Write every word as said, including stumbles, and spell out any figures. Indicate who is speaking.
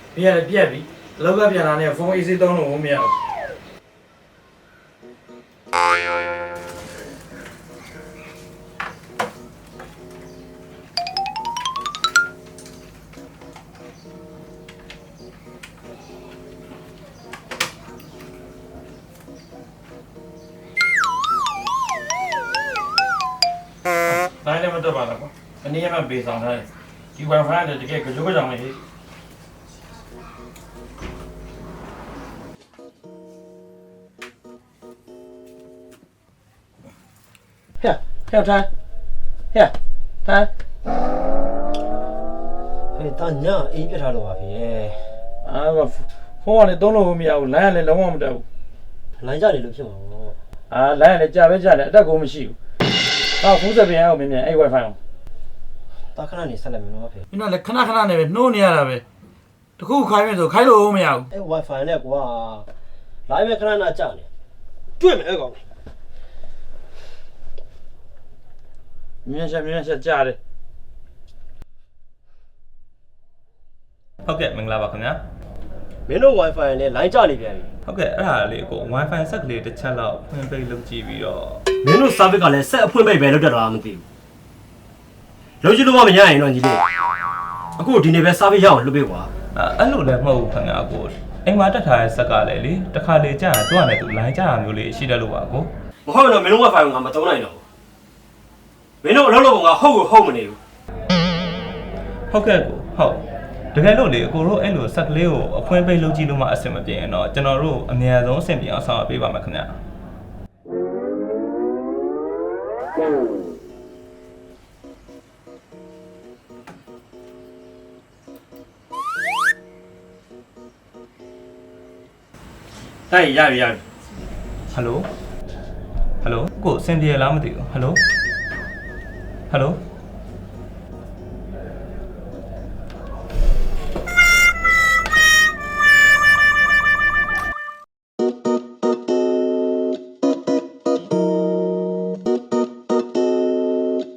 Speaker 1: ပြက်ပြက်ပြီအလောက်ကပြန်လာနေဖုန်းအေးစေးသုံးလို့မရဘူးတိုင်းလည်းမတက်ပါလားကွာအနည်းမှပေးဆောင်ထားတယ်ဒီ wifi နဲ့တကယ်ကြောကြောင်လေးဟဲ့ဟဲ့ထိုင်ဟဲ့ထိုင်
Speaker 2: ဟဲ့တာညာအေးပြထားလို့ပါဖေ
Speaker 1: အာဖုန်းကလည်းသုံးလို့မရဘူးလိုင်းကလည်းလုံးဝမတက်ဘူး
Speaker 2: လိုင်းကြနေလို့ဖြစ်မှာပေါ့
Speaker 1: အာလိုင်းကလည်းကြာပဲကြာတယ်အတက်ကိုမရှိဘူးအော်ဖုန်းစပင်အောင်မြင်မြင်အဲ့ wifi အောင်
Speaker 2: တာခဏနေဆက်လိုက်မယ်နော်ဖေ
Speaker 1: မင်းတို့လည်းခဏခဏနဲ့ပဲနှိုးနေရတာပဲတခုခိုင်းမယ်ဆိုခိုင်းလို့မရဘူး
Speaker 2: အဲ့ wifi နဲ့ကွာလိုင်းပဲခဏနာကြာနေတွေ့မယ်အဲ့ကောင်
Speaker 1: မြင်ချက်မြင်ချက်ကြားတယ်
Speaker 3: ဟုတ်ကဲ့မင်္ဂလာပါခင်ဗျာ
Speaker 2: မင်းတို့ wifi နဲ့လိုင်းကြာနေပြန်ပြီ
Speaker 3: ဟုတ်ကဲ့အဲ့ဒါလေးကို wifi ဆက်ကလေးတစ်ချက်လောက်ဖွင့်ပေးလုပ်ကြည့်ပြီးတော့
Speaker 2: မင်းတို့ service ကလည်းဆက်အဖွင့်ပိတ်ပဲလုပ်တတ်တာမသိဘူးလုံးချလို့မမရရင်တော့ညီလေးအခုဒီနေ့ပဲ service ရအောင်လုပ်ပေးကွာ
Speaker 3: အဲ့လိုလည်းမဟုတ်ဘူးခင်ဗျာကိုအိမ်မှာတက်ထားတဲ့ဆက်ကလည်းလေတစ်ခါလေကြာရင်တွားနေသူလိုင်းကြာတာမျိုးလေးရှိတတ်လို့ပါကို
Speaker 2: မဟုတ်တော့မင်းတို့ wifi ကိုငါမသုံးနိုင်တော့မင်းတို့အလုပ်လုပ်ပုံကဟုတ်ကိုဟုတ်မနေဘူး
Speaker 3: ဟုတ်ကဲ့ကိုဟုတ်တကယ်လို့လေအကိုတို့အဲ့လိုဆက်ကလေးကိုအဖွင့်ပိတ်လုပ်ကြည့်လို့မှအဆင်မပြေရင်တော့ကျွန်တော်တို့အများဆုံးအဆင်ပြေအောင်ဆောင်ရွက်ပေးပါမယ်ခင်ဗျာ
Speaker 2: တိုက်ရပြီရပြီ
Speaker 3: ဟယ်လိုဟယ်လိုကိုအဆင်ပြေလားမသိဘူးဟယ်လိုဟယ်လို